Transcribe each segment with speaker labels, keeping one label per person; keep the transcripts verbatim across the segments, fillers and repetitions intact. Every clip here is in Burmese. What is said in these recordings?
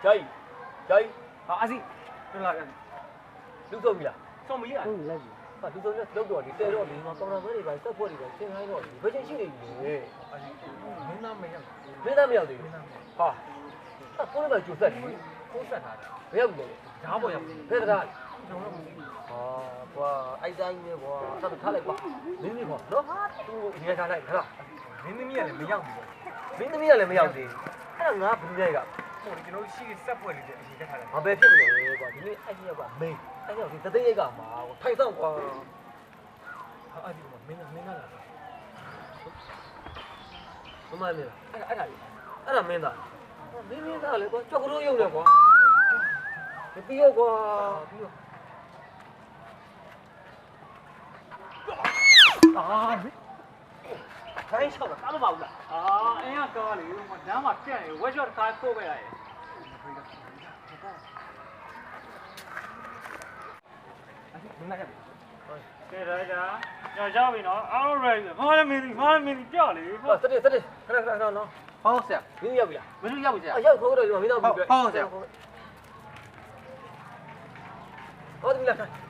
Speaker 1: ဂျာကြီးဂျာကြီး
Speaker 2: ဟာအစီတွလာတယ်
Speaker 1: လူဆုံးပြီလား
Speaker 2: ဆုံးမရ
Speaker 3: ဟုတ်လိုက်ပြီ
Speaker 1: ဟာလူဆုံးနဲ့လောက်တော့ဒီတဲတော့ဒီမှာကောင်တာဘဲတွေပါစက်ဖွဲ့တွေပါသင်ခိုင်းတော့ဒီဘယ်ချင်းရှိနေပြီလေ
Speaker 2: အစီမင်းသားမရောက်
Speaker 1: မင်းသားမရောက်သေးဘူးဟာအဲ့ကိုလည်းပဲကျူဆက်တယ်
Speaker 2: ကိုးဆက်ထားတယ်
Speaker 1: ဘယ်ရောက်လဲ
Speaker 2: ဓာတ်ပေါ်ရောက်
Speaker 1: ဘယ်တရား
Speaker 2: ကျွန်တော်တို့မသိဘူး
Speaker 1: ဟာကွာအိုက်တိုင်းပဲကွာဆက်ထားလိုက်ပါမင်းမင်းပေါ့နော်သူ့ရေထားလိုက်ခလား
Speaker 2: မင်းသမီးကလည်းမရောက်ဘူး
Speaker 1: မင်းသမီးကလည်းမရောက်သေးဘူးအဲ့ဒါငါဘယ်လိုလဲက
Speaker 2: ဟိုကျွန်တော်တို့ရှိစက်ပွဲလေးတဲ့အစီတက်ထားတယ်
Speaker 1: ။ဘာပဲဖြစ်မလဲကွာဒီနေ့အဲ့ဒီကမင်းအဲ့ရောက်ဒီတသိန်းရိတ်ကမှာထိုင်ဆောင်ကွာ
Speaker 2: ဟာအစီကမင်းသားမင်းသားလား
Speaker 1: မမမင်းအဲ့ဒါအဲ့ဒါလေးအဲ့ဒါမင်းသားမင်းမင်းသားလေကွာကြောက်ကလို့ရုံနဲ့ကွာမပြီးရောကွာပြီးရော
Speaker 2: အာမင်း
Speaker 1: ထိုင်ဆောင်တာကားမပါဘူးလား
Speaker 4: အာအင်းကကားလေဟိုလမ်းမှာပြက်နေဝက်ရှော့ကားပို့ခဲ့ရတယ်
Speaker 2: အစီမင်းသားရောက်
Speaker 4: ကဲဒါကြာညရောက်ပြီနော်အားလုံး ready ငါလည်းမင်းငါလည်းမင်းကြောက်လေ
Speaker 1: ဟာစတဲ့စတဲ့ခဏခဏခဏနော်
Speaker 2: ဟုတ်ဆရာ
Speaker 1: မင်းရောက်ပြီလား
Speaker 2: မင်းတို့ရောက်ပြီဆရာ
Speaker 1: အရောက်ခေါ်တော့ဒီမှာမင်းသားပြီဟောဒီလား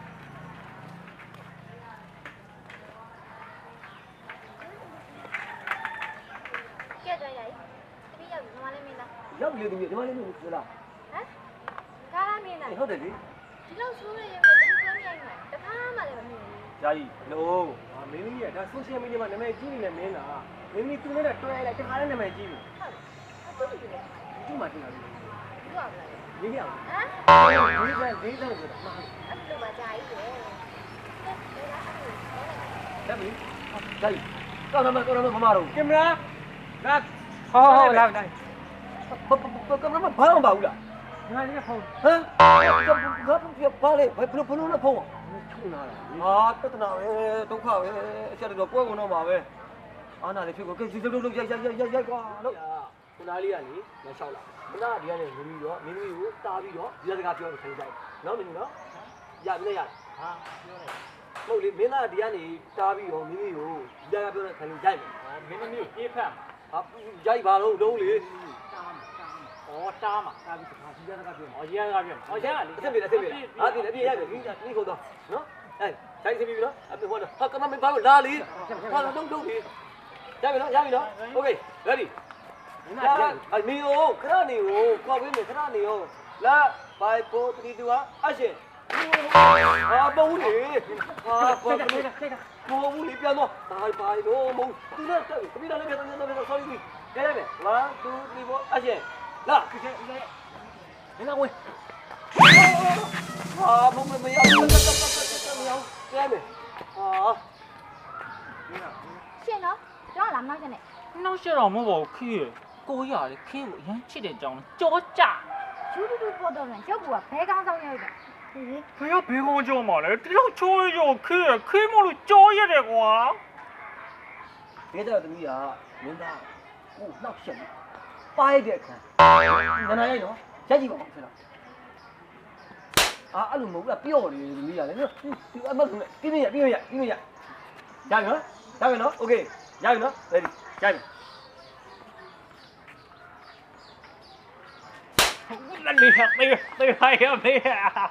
Speaker 5: ကြက်ကြရိုက်တပည့်ရောက်ပြီမမလေးမင်းသား
Speaker 1: ရောက်ပြီဒီမှာလေးလို့လား
Speaker 5: ဟမ်ကားလားမင်းသား
Speaker 1: ဟုတ်တယ်လေ
Speaker 5: ဒီလောက်ဆိုးနေရင်တပည့်ကမရိုက်နိုင်တခါမှလည်းမမြင်ဘူး
Speaker 1: ဂျာကြီးလို့မင်းကြီးကဒါ social media မှာနာမည်ကြီးနေတယ်မင်းလားမင်းကြီးသူနဲ့တွဲလိုက်တခါနဲ့နာမည်ကြီးပြီ
Speaker 5: ဟုတ်တယ်ဟုတ်တယ်
Speaker 1: ဒီမှာတင်လာပြီ
Speaker 5: ဘူးပါလား
Speaker 1: ရေးရအောင်
Speaker 5: ဟမ်
Speaker 1: ရေးတယ်ရေးတယ်ဆိုတာမှာ
Speaker 5: အဲ့လိုပါကြာကြီးတယ်
Speaker 1: လက်ပြီဂျာကြီးကောင်းတယ်မကောင်းတယ်မမတော့
Speaker 2: ကင်မရာလာ
Speaker 3: ဟောဟောလာလာ
Speaker 1: ကင်မရာမဘာမှမပါဘူးလား
Speaker 2: ငါလည်းဖုန်း
Speaker 1: ဟမ်ငါဘာလဲဘယ်ဘယ်လိုလဲဖုန်းချုံလာတာဟာတတနာပဲဒုက္ခပဲအချက်တော့ပွဲကုန်တော့မှာပဲအာနာလေးဖြစ်ကိုကဲရုပ်ရုပ်ရုပ်ရိုက်ရိုက်ရိုက်ရိုက်ကွာလို့ခုနလေးကလေမလျှောက်လာခုနကဒီကနေဝင်ပြီးတော့မင်းသမီးကိုတားပြီးတော့ဒီစကားပြောလို့ထိုင်ကြိုက်နော်မင်းနော်ရပြီလေရဟာပြောလိုက်ဟုတ်လေမင်းသားဒီကနေတားပြီးတော့မင်းသမီးကိုဒီစကားပြောလို့ထိုင်ကြိုက်မယ်
Speaker 4: မင်းသမီးကိုပြေးဖက်မှာ
Speaker 1: ဟာရိုက်ပါတော့လုံးလေ
Speaker 4: ဩတားမှာ
Speaker 1: တားပြီးတော့ဒီစကားပြော
Speaker 4: ဩရဲကားပြောဩရဲကလေ
Speaker 1: အစ်ပြေအစ်ပြေဟာဒီအပြေရိုက်ပြီဒီခုတော့နော်အဲဆိုင်စီပြီနော်အပြေဟောတော့ဟာကမမင်းဘာလို့လာလေဟာတော့လုံးလုံးလေရပြီနော်ရပြီနော်โอเค ready လာအမီယိုခရနေကိုကောက်ပေးမယ်ခရနေရောလာ5 4 3 2ဟာအရှင်ဟာပုံးလေဟာပုံးလေပုံးလေပြန်တော့ဘိုင်ဘိုင်တော့မဟုတ်သူနဲ့တက်ပြီတပိတာလည်းပြန်တော့ပြန်တော့ sorry ကြည့်ရမယ်one two three fourအရှင်လာကြည့်ကြည့်နေလာဝင်ဟာဘုံမမရဘူးတက်တက်တက်တက်မရဘူးကြည့်မယ်ဟာ
Speaker 5: ရှင်နော်တော့လာမနောက်ချက်နဲ့
Speaker 4: နောက်ရှက်တော့မဟုတ်ပါဘူးခီးရကိုရလေခီးကိုအရန်ချစ်တဲ့ကြောင်းကြောကြ
Speaker 5: ယူတူတူပေါ်တော့ရင်ရုပ်ကဘဲကောင်းဆောင်ရောက်တယ်ဟေး
Speaker 4: ဖေကဘေးကုန်းကြောမှာလေတယောက်ချိုးရရောခီးရခီးမလို့ကြောရတယ်ကွာ
Speaker 1: ဒီတော့တမီးကမင်းသားကိုနှောက်ရှက်ပါရတဲ့အခါနနာရိုက်နော်ရက်ကြည့်ပါဦးဆရာအာအဲ့လိုမဟုတ်ဘူးပျော့တယ်တမီးကလည်းနော်ဒီအမတ်ကပြင်းပြပြင်းပြပြင်းပြရပြီနော်ရပြီနော်โอเคရပြီနော် ready ရပြီ
Speaker 4: လက်လေးသေးသေးဟိုင်ရမေး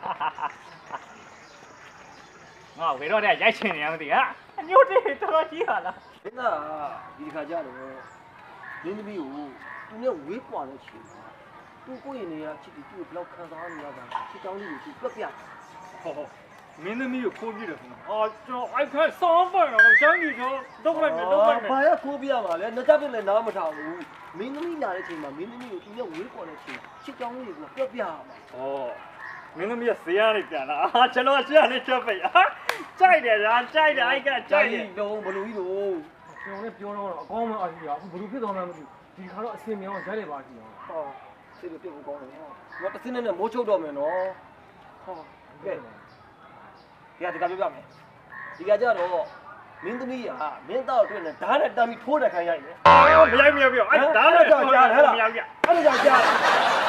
Speaker 4: ငါဘယ်တော့တည်းရိုက်ချင်နေရမသိဟာအညို့တေးတော်ကြီးဟာလား
Speaker 1: မင်းသားဒီခါကျတော့မင်းသမီးကိုသူနဲ့ဝေးကွာတဲ့ချိန်မှာသူကိုယ့်ရဲ့နေရာချစ်ပြီးသူ့ကိုဘယ်လောက်ခံစားနေရတာချစ်တောင်းလေးကိုသူပြက်ပြ
Speaker 4: ဟောမင်းသမီးကိုခိုးပြတယ်ခင်ဗျာအာကျွန်တော်အိုက်ခက်ဆောင်းပါတော့ရှမ်းကြီးတော့တော့လိုက်မယ်တော့လိုက်မယ်
Speaker 1: ဘာရခိုးပြရမှာလဲနှစ်ချက်ပြလည်းနားမထောင်ဘူးမင်းသမီးလာတဲ့ချိန်မှာမင်းသမီးကိုသူနဲ့ဝေးကွာတဲ့ချိန်ချစ်တောင်းလေးကိုပြက်ပြရမှာ
Speaker 4: ဩမင်းသမီးကဇေယျနေပြန်လာအာကျွန်တော်ရှမ်းနေချက်ပိတ်ဟာကြိုက်တယ်ဗျာကြိုက်တယ်အိုက်ကကြိုက်တယ်
Speaker 1: လုံးဘလူကြီးတို့
Speaker 2: ကျွန်တော်လည်းပြောတော့အကောင်းမှအစီကအခုဘယ်လိုဖြစ်သွားမှန်းမသိဘူးဒီခါတော့အစင်မြောင်းရိုက်တယ်ပါစီအောင်
Speaker 1: ဟောစိတ်ပြတ်ဖို့ကောင်းတယ်ဟောငါတစ်စင်းနဲ့မိုးချုပ်တော့မယ်နော်ဟောကဲဒီကဒီကပြောပြမယ်ဒီကကြတော့မင်းသမီးကမင်းသားတို့နဲ့ဓာတ်နဲ့တမ်းပြီးထိုးတဲ့ခိုင်းရိုက်တယ်
Speaker 4: မရိုက်မရိုက်ပြောအဲ့ဒါလည်း
Speaker 1: ကြောက်ကြားဟဲ့လား
Speaker 4: မရိုက်ပြ
Speaker 1: အဲ့ဒါကြောင့်ကြား